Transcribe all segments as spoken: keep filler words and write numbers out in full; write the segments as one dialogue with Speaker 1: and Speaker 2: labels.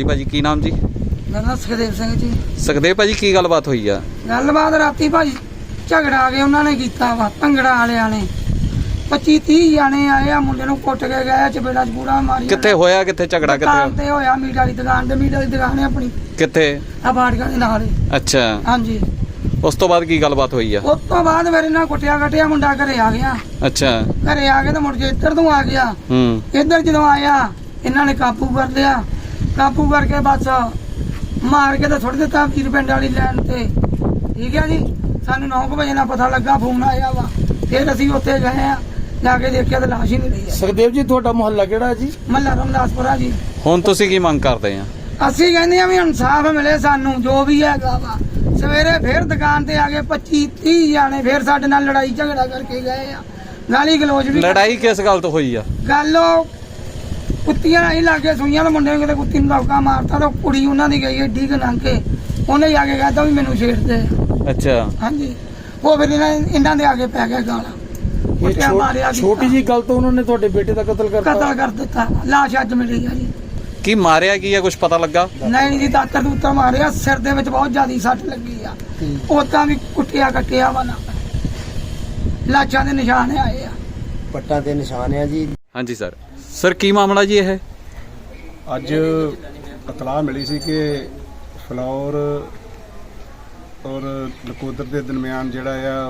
Speaker 1: ਹਾਂਜੀ ਭਾਜੀ ਕੀ ਨਾਮ ਜੀ?
Speaker 2: ਮੇਰਾ ਨਾਮ ਸੁਖਦੇਵ ਸਿੰਘ ਜੀ।
Speaker 1: ਸੁਖਦੇਵ ਭਾਜੀ ਕੀ ਗੱਲਬਾਤ ਹੋਈ ਆ?
Speaker 2: ਗੱਲਬਾਤ ਰਾਤੀ ਭਾਜੀ ਝਗੜਾ ਆ ਕੇ ਉਹਨਾਂ ਨੇ ਕੀਤਾ ਵਾ, ਭੰਗੜਾ ਵਾਲਿਆਂ ਨੇ ਪੱਚੀ ਤੀਹ ਜਾਣੇ ਆਏ ਆ, ਮੁੰਡੇ ਨੂੰ ਕੁੱਟ ਕੇ ਗਏ, ਚਪੇੜਾ ਚਪੂੜਾ ਮਾਰੀ।
Speaker 1: ਕਿੱਥੇ ਹੋਇਆ? ਕਿੱਥੇ ਝਗੜਾ
Speaker 2: ਦੁਕਾਨ
Speaker 1: ਕਿੱਥੇ
Speaker 2: ਤੇ ਹੋਇਆ? ਮੀਟ ਵਾਲੀ ਦੁਕਾਨ ਤੇ। ਮੀਟ ਵਾਲੀ ਦੁਕਾਨ ਹੈ ਆਪਣੀ
Speaker 1: ਕਿੱਥੇ?
Speaker 2: ਆ ਬਾੜੀਆਂ ਦੇ ਨਾਲ।
Speaker 1: ਅੱਛਾ,
Speaker 2: ਹਾਂਜੀ।
Speaker 1: ਉਸ ਤੋਂ ਬਾਅਦ ਕੀ ਗੱਲਬਾਤ ਹੋਈ ਆ?
Speaker 2: ਉਸ ਤੋਂ ਬਾਅਦ ਮੇਰੇ ਨਾਲ ਕੁੱਟਿਆ ਕੱਟਿਆ, ਮੁੰਡਾ ਘਰੇ ਆ ਗਿਆ।
Speaker 1: ਅੱਛਾ,
Speaker 2: ਘਰੇ ਆ ਕੇ ਤੇ ਮੁੜ ਕੇ ਇੱਧਰ ਤੋਂ ਆ ਗਿਆ।
Speaker 1: ਹੂੰ
Speaker 2: ਇੱਧਰ ਜਦੋਂ ਆਇਆ ਇਹਨਾਂ ਨੇ ਕਾਬੂ ਕਰ ਲਿਆ। ਕਾਬੂ ਕਰਕੇ ਬਸ ਮਾਰ ਕੇ ਤੇ ਸੁੱਟ ਦਿੱਤਾ ਵੀਰ ਪਿੰਡ ਵਾਲੀ ਲੈਣ ਤੇ। ਠੀਕ ਹੈ ਜੀ। ਸਾਨੂੰ ਨੌ ਕੁ ਵਜੇ ਨਾਲ ਪਤਾ ਲੱਗਾ, ਫੋਨ ਆਇਆ ਵਾ। ਫਿਰ ਅਸੀਂ ਉੱਥੇ ਗਏ ਆ, ਜਾ ਕੇ ਦੇਖਿਆ ਤੇ ਲਾਸ਼ ਹੀ ਨਹੀਂ ਰਹੀ।
Speaker 3: ਸੁਖਦੇਵ ਜੀ ਤੁਹਾਡਾ ਮੁਹੱਲਾ ਕਿਹੜਾ ਜੀ?
Speaker 2: ਮੱਲਾ ਰਮਦਾਸਪੁਰਾ ਜੀ।
Speaker 1: ਹੁਣ ਤੁਸੀਂ ਕੀ ਮੰਗ ਕਰਦੇ ਆ?
Speaker 2: ਅਸੀਂ ਕਹਿੰਦੇ ਆ ਵੀ ਇਨਸਾਫ ਮਿਲੇ ਸਾਨੂੰ, ਜੋ ਵੀ ਹੈਗਾ ਵਾ। ਸਵੇਰੇ ਫਿਰ ਦੁਕਾਨ ਤੇ ਆ ਗਏ ਪੱਚੀ ਤੀਹ ਜਾਣੇ, ਫਿਰ ਸਾਡੇ ਨਾਲ ਲੜਾਈ ਝਗੜਾ ਕਰਕੇ ਗਏ ਆ। ਗਾਲੀ ਗਲੋਚ ਵੀ।
Speaker 1: ਲੜਾਈ ਕਿਸ ਗੱਲ ਤੋਂ ਹੋਈ ਆ?
Speaker 2: ਗੱਲ ਉਹ ਕੁੱਤੀਆਂ ਹੀ ਲਾਗੇ ਸੁਈਆਂ ਦੇ ਮੁੰਡੇ ਨੂੰ ਕਿਤੇ ਕੁੱਤੀ ਨੂੰ ਦਬਕਾ ਮਾਰਤਾ ਤਾਂ ਕੁੜੀ ਉਹਨਾਂ ਦੀ ਗਈ ਏਡੀ ਕੁ ਲੰਘ ਕੇ, ਉਹਨੇ ਜਾ ਕੇ ਕਹਿਤਾ ਵੀ ਮੈਨੂੰ ਛੇੜ ਦੇ।
Speaker 1: ਅੱਛਾ,
Speaker 2: ਹਾਂਜੀ। ਉਹ ਫਿਰ ਇਹਨਾਂ ਇਹਨਾਂ ਦੇ ਆਗੇ ਪੈ ਗਿਆ ਗਾਲਾਂ। ਕੁੱਟਿਆ ਮਾਰਿਆ ਕੀਤਾ।
Speaker 3: ਛੋਟੀ ਜੀ ਗੱਲ ਤੋਂ ਉਹਨਾਂ ਨੇ ਤੁਹਾਡੇ ਬੇਟੇ ਦਾ ਕਤਲ ਕਰਤਾ।
Speaker 2: ਕਤਲ ਕਰ ਦਿੱਤਾ। ਲਾਸ਼ ਅੱਜ ਮਿਲੀ ਆ ਜੀ।
Speaker 1: ਕੀ ਮਾਰਿਆ ਕੀ ਆ? ਕੁਝ ਪਤਾ ਲੱਗਾ?
Speaker 2: ਨਹੀਂ ਜੀ, ਦਾਤਰ ਦੂਤਰ ਮਾਰਿਆ, ਸਿਰ ਦੇ ਵਿੱਚ ਬਹੁਤ ਜ਼ਿਆਦਾ ਸੱਟ ਲੱਗੀ ਆ। ਉਦਾਂ ਵੀ ਕੁੱਟਿਆ ਕੱਟਿਆ ਵਾ ਨਾ, ਲਾਸ਼ਾਂ ਦੇ ਨਿਸ਼ਾਨ ਆਏ ਆ,
Speaker 3: ਪੱਟਾਂ ਦੇ ਨਿਸ਼ਾਨ ਆ ਜੀ।
Speaker 1: ਹਾਂਜੀ ਸਰ। ਸਰ ਕੀ ਮਾਮਲਾ ਜੀ ਇਹ?
Speaker 4: ਅੱਜ ਇਤਲਾਹ ਮਿਲੀ ਸੀ ਕਿ ਫਲੌਰ ਔਰ ਨਕੋਦਰ ਦੇ ਦਰਮਿਆਨ ਜਿਹੜਾ ਆ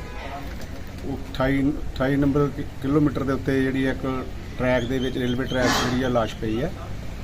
Speaker 4: ਉਹ ਅਠਾਈ ਅਠਾਈ ਨੰਬਰ ਕਿਲੋਮੀਟਰ ਦੇ ਉੱਤੇ ਜਿਹੜੀ ਇੱਕ ਟਰੈਕ ਦੇ ਵਿੱਚ, ਰੇਲਵੇ ਟਰੈਕ ਜਿਹੜੀ ਆ ਲਾਸ਼ ਪਈ ਆ।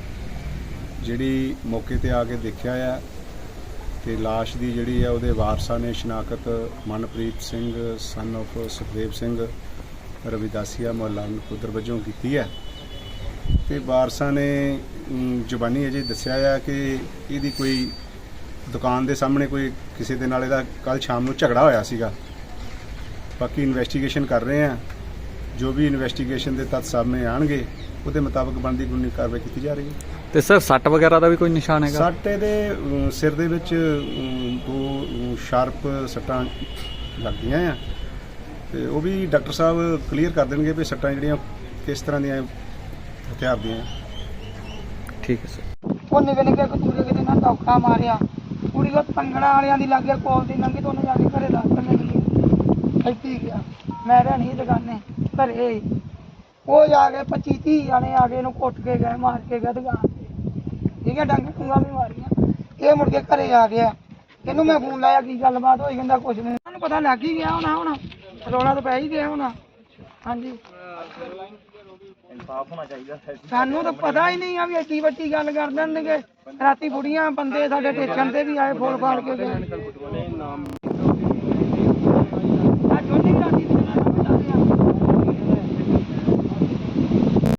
Speaker 4: ਜਿਹੜੀ ਮੌਕੇ ਤੇ ਆ ਕੇ ਦੇਖਿਆ ਆ ਤੇ ਲਾਸ਼ ਦੀ ਜਿਹੜੀ ਆ ਉਹਦੇ ਵਾਰਸਾਂ ਨੇ ਸ਼ਨਾਖਤ ਮਨਪ੍ਰੀਤ ਸਿੰਘ ਸਨ ਆਫ ਸੁਖਦੇਵ ਸਿੰਘ ਰਵਿਦਾਸੀਆ ਮੁਹੱਲਾ ਨਕੋਦਰ ਵਜੋਂ ਕੀਤੀ ਹੈ। ਤੇ ਵਾਰਸਾਂ ਨੇ ਜ਼ੁਬਾਨੀ ਅਜੇ ਦੱਸਿਆ ਆ ਕਿ ਇਹਦੀ ਕੋਈ ਦੁਕਾਨ ਦੇ ਸਾਹਮਣੇ ਕੋਈ ਕਿਸੇ ਦੇ ਨਾਲ ਇਹਦਾ ਕੱਲ ਸ਼ਾਮ ਨੂੰ ਝਗੜਾ ਹੋਇਆ ਸੀਗਾ। ਬਾਕੀ ਇਨਵੈਸਟੀਗੇਸ਼ਨ ਕਰ ਰਹੇ ਆ, ਜੋ ਵੀ ਇਨਵੈਸਟੀਗੇਸ਼ਨ ਦੇ ਤੱਥ ਸਾਹਮਣੇ ਆਣਗੇ ਉਹਦੇ ਮੁਤਾਬਕ ਬਣਦੀ ਕਾਨੂੰਨੀ ਕਾਰਵਾਈ ਕੀਤੀ ਜਾ ਰਹੀ ਹੈ।
Speaker 1: ਤੇ ਸਰ ਸੱਟ ਵਗੈਰਾ ਦਾ ਵੀ ਕੋਈ ਨਿਸ਼ਾਨ ਹੈਗਾ?
Speaker 4: ਸੱਟ ਇਹਦੇ ਸਿਰ ਦੇ ਵਿੱਚ ਦੋ ਸ਼ਾਰਪ ਸੱਟਾਂ ਲੱਗਦੀਆਂ ਆ ਤੇ ਉਹ ਵੀ ਡਾਕਟਰ ਸਾਹਿਬ ਕਲੀਅਰ ਕਰ ਦੇਣਗੇ ਵੀ ਸੱਟਾਂ ਜਿਹੜੀਆਂ ਕਿਸ ਤਰ੍ਹਾਂ ਦੀਆਂ ਹਥਿਆਰ ਦੀਆਂ।
Speaker 1: ਠੀਕ ਹੈ ਸਰ।
Speaker 2: ਉਹ ਨਿੱਕੇ ਨਿੱਕੇ ਕਤੂਰੇ ਕਿਤੇ ਨਾਲ ਧੋਖਾ ਮਾਰਿਆ। ਕੁੜੀ ਉਹ ਭੰਗੜਾ ਵਾਲਿਆਂ ਦੀ ਲਾਗੇ ਕੋਲ ਦੀ ਲੰਘੀ ਤੇ ਉਹਨੇ ਜਾ ਕੇ ਘਰੇ ਦੱਸ ਦਿੰਦੇ ਕਿ ਇੱਥੇ ਗਿਆ, ਮੈਂ ਰਹਿਣੀ ਦੁਕਾਨੇ ਘਰੇ। ਉਹ ਜਾ ਕੇ ਪੱਚੀ ਤੀਹ ਜਾਣੇ ਆ ਕੇ ਇਹਨੂੰ ਕੁੱਟ ਕੇ ਗਏ, ਮਾਰ ਕੇ ਗਏ ਦੁਕਾਨ ਤੇ। ਠੀਕ ਹੈ। ਡੰਗ ਟੁੰਗਾ ਵੀ ਮਾਰੀਆਂ। ਇਹ ਮੁੜ ਕੇ ਘਰੇ ਆ ਗਿਆ। ਇਹਨੂੰ ਮੈਂ ਫੋਨ ਲਾਇਆ, ਕੀ ਗੱਲਬਾਤ ਹੋਈ? ਕਹਿੰਦਾ ਕੁਛ ਨਹੀਂ। ਉਹਨੂੰ ਪਤਾ ਲੱਗ ਹੀ ਗਿਆ ਹੋਣਾ, ਹੁਣ ਰੌਲਾ ਤਾਂ ਪੈ ਹੀ ਗਿਆ ਹੋਣਾ। ਹਾਂਜੀ, ਸਾਨੂੰ ਤਾਂ ਪਤਾ ਹੀ ਨਹੀਂ ਆ ਵੀ ਐਡੀ ਵੱਡੀ ਗੱਲ ਕਰ ਦੇਣਗੇ। ਰਾਤੀ ਬੁੜੀਆਂ ਬੰਦੇ ਸਾਡੇ ਟੇਚਣ ਤੇ ਵੀ ਆਏ, ਫੋਲ ਫਾੜ ਕੇ ਗਏ।